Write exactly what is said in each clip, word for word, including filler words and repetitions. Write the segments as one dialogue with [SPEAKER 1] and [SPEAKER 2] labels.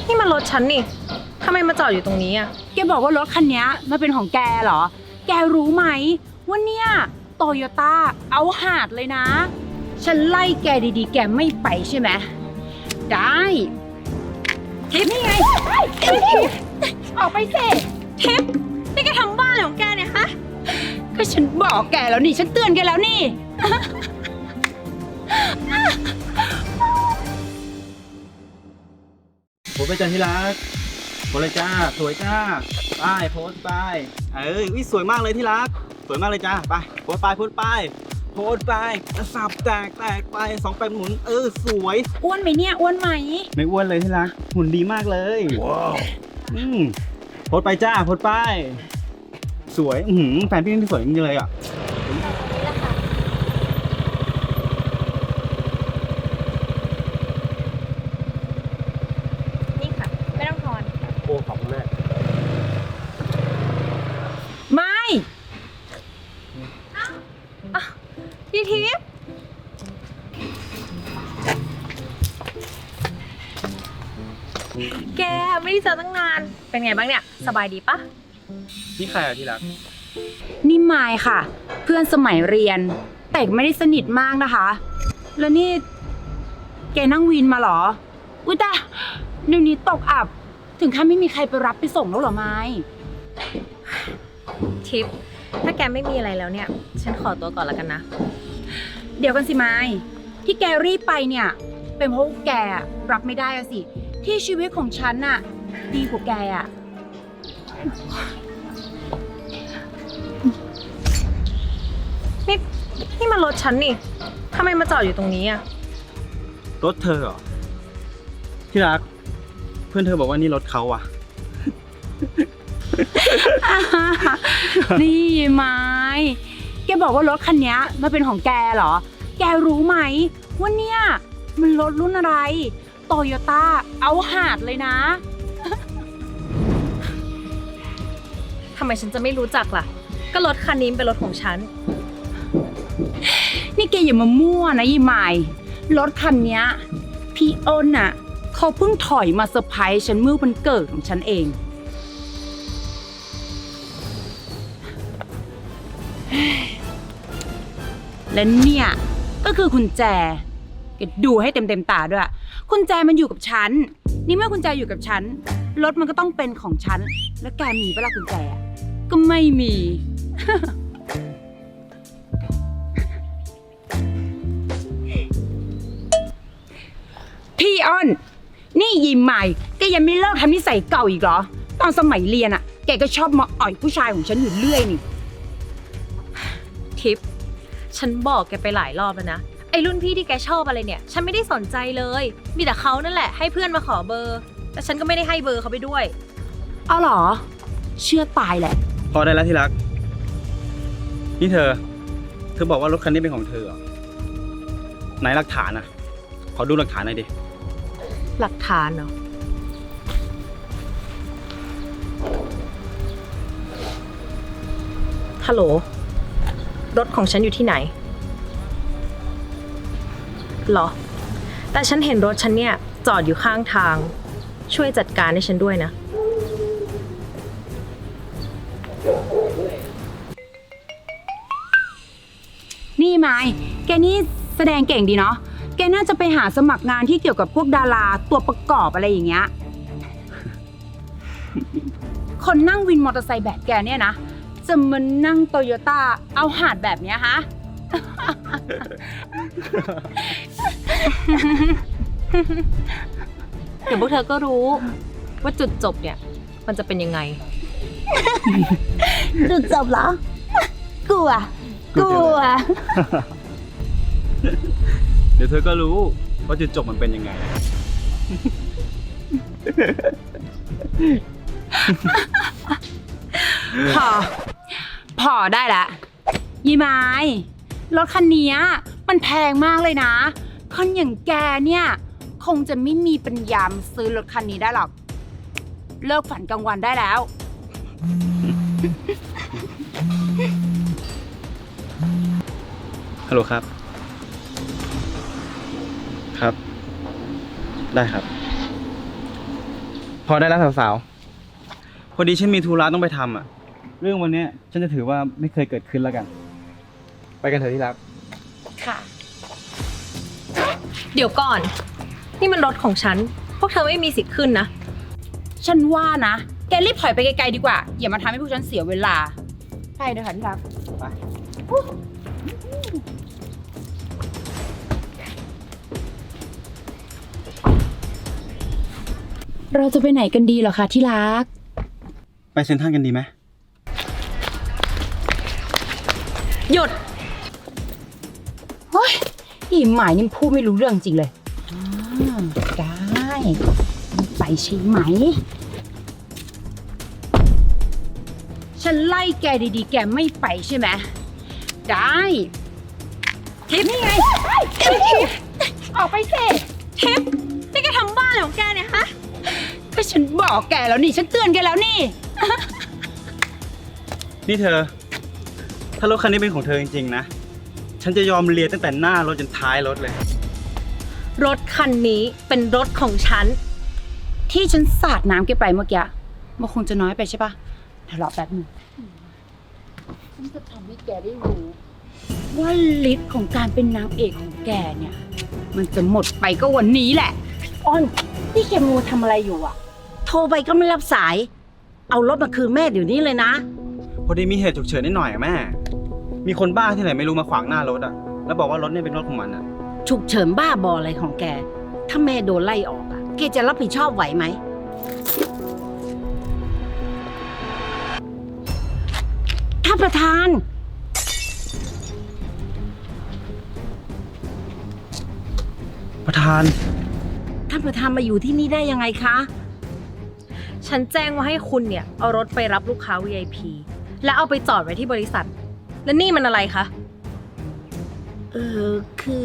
[SPEAKER 1] นี่มันรถฉันนี่ทำไมมาจอดอยู่ตรงนี้อ่ะ
[SPEAKER 2] แกบอกว่ารถคันนี้มันเป็นของแกเหรอแกรู้ไหมว่าเนี่ยโตโยต้าเอาหาดเลยนะฉันไล่แกดีๆแกไม่ไปใช่ไหมได้ทิปนี่ไงทิปออกไปสิทิปนี่แกทำบ้าอะไรของแกเนี่ยฮะก็ฉันบอกแกแล้วนี่ฉันเตือนแกแล้วนี่
[SPEAKER 3] โพสไปจ้าที่รักโพสเลยจ้าสวยจ้าไปโพสไปเอ้ยวิสวยมากเลยที่รักสวยมากเลยจ้าไปโพสไปโพสไปโพสไปสับแตกแตกไปสองแปดหมุนเออสวย
[SPEAKER 2] อ้วนไหมเนี่ยอ้วนไหม
[SPEAKER 3] ไม่อ้วนเลยที่รักหุ่นดีมากเลยว้าวอืมโพสไปจ้าโพสไปสวยอืมแฟนพี่นี่สวยจริงๆเลยอ่ะ
[SPEAKER 1] นี่ค่ะไม่ต้องทอน
[SPEAKER 3] โอ้ขอบคุณแม่
[SPEAKER 2] ไม่
[SPEAKER 1] พี่ทิพย์แกไม่ได้เจอตั้งนานเป็นไงบ้างเนี่ยสบายดีปะ
[SPEAKER 3] นี่ใครอ่ะที่รัก
[SPEAKER 2] นี่มายค่ะเพื่อนสมัยเรียนแต่ไม่ได้สนิทมากนะคะแล้วนี่แกนั่งวินมาเหรออุ้ยตาเดี๋ยวนี้ตกอับถึงขั้นไม่มีใครไปรับไปส่งแล้วเหรอไม้
[SPEAKER 1] ทิพย์ถ้าแกไม่มีอะไรแล้วเนี่ยฉันขอตัวก่อนแล้วกันนะ
[SPEAKER 2] เดี๋ยวกันสิไม้ที่แกรีบไปเนี่ยเป็นเพราะแกรับไม่ได้อะสิที่ชีวิตของฉันน่ะดีกว่าแกอะ
[SPEAKER 1] นี่นี่มันรถฉันนี่ทำไมมาจอดอยู่ตรงนี้อ่ะ
[SPEAKER 3] รถเธอเหรอที่รักเพื่อนเธอบอกว่านี่รถเขาอ่ะ
[SPEAKER 2] นี่ไม้แกบอกว่ารถคันนี้มันเป็นของแกเหรอแกรู้ไหมว่าเนี่ยมันรถรุ่นอะไรโตโยต้าเอาหาดเลยนะ
[SPEAKER 1] ทำไมฉันจะไม่รู้จักล่ะก็รถคันนี้เป็นรถของฉัน
[SPEAKER 2] นี่แกอย่ามามั่วนะยี่ไม้รถคันนี้พี่อ้นน่ะเขาเพิ่งถอยมาเซอร์ไพรส์ฉันเมื่อวันเกิดของฉันเองและเนี่ยก็คือกุญแจแกดูให้เต็มเต็มตาด้วยกุญแจมันอยู่กับฉันนี่เมื่อกุญแจอยู่กับฉันรถมันก็ต้องเป็นของฉันแล้วแกมีปะล่ะกุญแจก็ไม่มี พี่อ้นนี่ยิ้มใหม่แกยังไม่เลิกทำนิสัยเก่าอีกเหรอตอนสมัยเรียนอะแกก็ชอบมาอ่อยผู้ชายของฉันอยู่เรื่อยนี่
[SPEAKER 1] ทิปฉันบอกแกไปหลายรอบแล้วนะไอ้รุ่นพี่ที่แกชอบอะไรเนี่ยฉันไม่ได้สนใจเลยมีแต่เขานั่นแหละให้เพื่อนมาขอเบอร์แต่ฉันก็ไม่ได้ให้เบอร์เขาไปด้วย
[SPEAKER 2] เอาเหรอเชื่อตายแหละ
[SPEAKER 3] พอได้แล้วที่รักนี่เธอเธอบอกว่ารถคันนี้เป็นของเธอเหรอไหนหลักฐานอ่ะขอดูหลักฐานหน่อยดิ
[SPEAKER 1] หลักฐานเหรอฮัลโหลรถของฉันอยู่ที่ไหนหรอแต่ฉันเห็นรถฉันเนี่ยจอดอยู่ข้างทางช่วยจัดการให้ฉันด้วยนะ
[SPEAKER 2] นี่ไม้แกนี่แสดงเก่งดีเนาะแกน่าจะไปหาสมัครงานที่เกี่ยวกับพวกดาราตัวประกอบอะไรอย่างเงี้ย คนนั่งวินมอเตอร์ไซค์แบบแกเนี่ยนะจะมานั่งโตโยต้าเอาหาดแบบเนี้ยฮะ
[SPEAKER 1] เดี๋ยวพวกเธอก็รู้ว่าจุดจบเนี่ยมันจะเป็นยังไง
[SPEAKER 2] จุดจบเหรอ กลัว กลัว
[SPEAKER 3] เดี๋ยวเธอก็รู้ว่าจุดจบมันเป็นยังไง
[SPEAKER 2] พอ พอได้ละยี่ไม้รถคันนี้มันแพงมากเลยนะคนอย่างแกเนี่ยคงจะไม่มีปัญญาซื้อรถคันนี้ได้หรอกเลิกฝันกลางวันได้แล้ว
[SPEAKER 3] ฮัลโหลครับครับได้ครับพอได้แล้วสาวๆ พอดีฉันมีธุระต้องไปทำอ่ะ เรื่องวันเนี้ยฉันจะถือว่าไม่เคยเกิดขึ้นแล้วกัน ไปกันเถอะที่รัก
[SPEAKER 2] ค่ะ
[SPEAKER 1] เดี๋ยวก่อน นี่มันรถของฉัน พวกเธอไม่มีสิทธิ์ขึ้นนะ
[SPEAKER 2] ฉันว่านะ แกรีบถอยไปไกลๆดีกว่า อย่ามาทำให้พวกฉันเสียเวลา ไปเดี๋ยวค่ะที่รัก
[SPEAKER 3] ไป
[SPEAKER 2] เราจะไปไหนกันดีเหรอคะที่รัก
[SPEAKER 3] ไปเซ็นทรัลกันดีไหม
[SPEAKER 1] หยุด
[SPEAKER 2] เฮ้ยอีหมายนี่พูดไม่รู้เรื่องจริงเลยอ่าได้ไปใช่ไหม ฉันไล่แกดีๆ แกไม่ไปใช่ไหม ได้ทิปนี่ไงทิปออกไปสิ
[SPEAKER 1] ทิปนี่แกทำบ้าอะไรของแกเนี่ยฮะ
[SPEAKER 2] ก็ฉันบอกแกแล้วนี่ ฉันเตือนแกแล้วนี่
[SPEAKER 3] นี่เธอ ถ้ารถคันนี้เป็นของเธอจริงๆนะ ฉันจะยอมเลียตั้งแต่หน้ารถจนท้ายรถเลย
[SPEAKER 1] รถคันนี้เป็นรถของฉัน
[SPEAKER 2] ที่ฉันสาดน้ำแกไปเมื่อกี้มันคงจะน้อยไปใช่ปะเดี๋ยวรอแป๊บนึงฉันจะทำให้แกได้รู้ ว่าฤทธิ์ของการเป็นนางเอกของแกเนี่ย มันจะหมดไปก็วันนี้แหละอ้อนนี่แกมัวทำอะไรอยู่อ่ะ
[SPEAKER 4] โทรไปก็ไม่รับสาย เอารถมาคืนแม่เดี๋ยวนี้เลยนะ
[SPEAKER 3] พอดีมีเหตุฉุกเฉินนิดหน่อยอะแม่ มีคนบ้าที่ไหนไม่รู้มาขวางหน้ารถอะแล้วบอกว่ารถเนี่ยเป็นรถของมันอะ
[SPEAKER 4] ฉุกเฉินบ้าบออะไรของแก ถ้าแม่โดนไล่ออกอะแกจะรับผิดชอบไหวไหม ท่านประธาน
[SPEAKER 3] ประธาน
[SPEAKER 4] ท่านประธานมาอยู่ที่นี่ได้ยังไงคะ
[SPEAKER 1] ฉันแจ้งว่าให้คุณเนี่ยเอารถไปรับลูกค้า วี ไอ พี แล้วเอาไปจอดไว้ที่บริษัท แล้วนี่มันอะไรคะ
[SPEAKER 4] เออคือ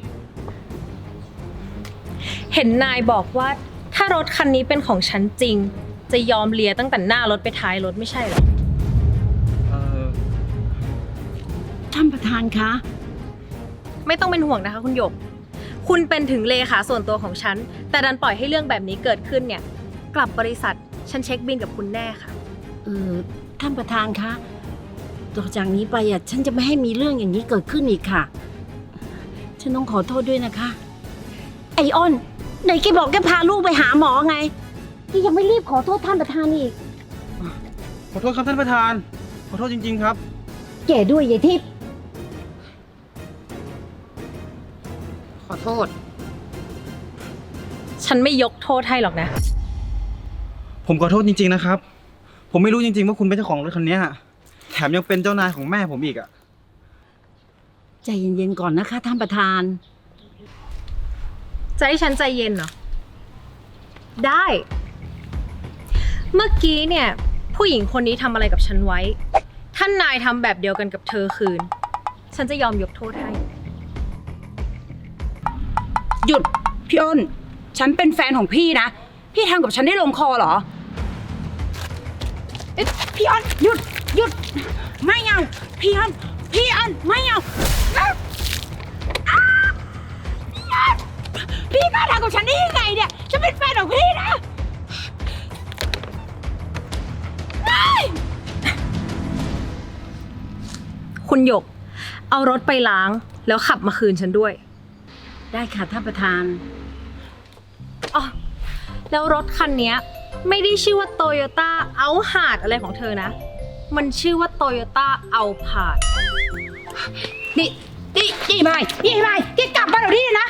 [SPEAKER 1] เห็นนายบอกว่าถ้ารถคันนี้เป็นของฉันจริง จะยอมเลียตั้งแต่หน้ารถไปท้ายรถไม่ใช่เหรอ
[SPEAKER 3] เออ
[SPEAKER 4] ท่านประธานคะ
[SPEAKER 1] ไม่ต้องเป็นห่วงนะคะคุณหยก คุณเป็นถึงเลขาส่วนตัวของฉัน แต่ดันปล่อยให้เรื่องแบบนี้เกิดขึ้นเนี่ย กลับบริษัทฉันเช็คบินกับคุณแน่ค่ะ
[SPEAKER 4] เออท่านประธานคะต่อจากนี้ไปอ่ะฉันจะไม่ให้มีเรื่องอย่างนี้เกิดขึ้นอีกค่ะ ฉันต้องขอโทษด้วยนะคะ ไอออนไหนแกบอกแกพาลูกไปหาหมอไงแกยังไม่รีบขอโทษท่านประธานอีก
[SPEAKER 3] ขอโทษครับท่านประธาน ขอโทษจริงๆครับ
[SPEAKER 4] แกด้วยยายทิพย์
[SPEAKER 2] ขอโทษ
[SPEAKER 1] ฉันไม่ยกโทษให้หรอกนะ
[SPEAKER 3] ผมขอโทษจริงๆนะครับ ผมไม่รู้จริงๆว่าคุณเป็นเจ้าของรถคันเนี้ยแถมยังเป็นเจ้านายของแม่ผมอีกอะ
[SPEAKER 4] ใจเย็นๆก่อนนะคะท่านประธาน
[SPEAKER 1] จะให้ฉันใจเย็นเหรอ ได้ เมื่อกี้เนี่ย ผู้หญิงคนนี้ทำอะไรกับฉันไว้ ท่านนายทำแบบเดียวกันกับเธอคืน ฉันจะยอมยกโทษให้
[SPEAKER 2] หยุด พี่อ้น ฉันเป็นแฟนของพี่นะ พี่ทำกับฉันได้ลงคอเหรอเอ๊ะพี่อ้นหยุดหยุด ไม่เอา พี่อ้นพี่อ้นไม่เอาอ้าวอ้าวพี่อ้นพี่กล้าทำกับฉันได้ยังไงเนี่ยฉันเป็นแฟนของพี่นะไม่
[SPEAKER 1] คุณหยก เอารถไปล้างแล้วขับมาคืนฉันด้วย
[SPEAKER 4] ได้ค่ะท่านประธาน
[SPEAKER 1] อ๋อ แล้วรถคันเนี้ยไม่ได้ชื่อว่าโตโยต้าเอาหาดอะไรของเธอนะ มันชื่อว่าโตโยต้าเอาผาด
[SPEAKER 2] นี่นี่นี่ไม่นี่ไม่ที่กลับมาเดี๋ยวนี้เลยนะ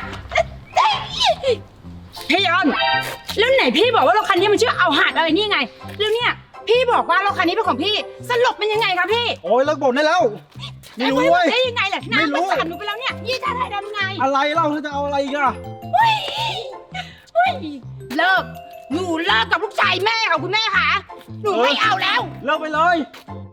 [SPEAKER 2] พี่อ้นแล้วไหนพี่บอกว่ารถคันนี้มันชื่อเอาหาดอะไรนี่ไง แล้วเนี่ยพี่บอกว่ารถคันนี้เป็นของพี่สรุปเป็นยังไงคะพี่
[SPEAKER 3] โอ้ยเลิกบ่นได้แล้ว ไม่รู้เว้ย
[SPEAKER 2] ได้ยังไงล่ะ
[SPEAKER 3] ไม่
[SPEAKER 2] น้ำ
[SPEAKER 3] รู้
[SPEAKER 2] มันสั่นหนูไปแล้วเนี่ยยี่จะได้ทำไง
[SPEAKER 3] อะไรเล่าเธอจะเอาอะไรอีกอะ
[SPEAKER 2] เฮ้ยเฮ้ยเลิกหนูเลิกกับลูกชายแม่ค่ะคุณแม่ค่ะหนูไม่เอาแล้ว
[SPEAKER 3] เลิกไปเลย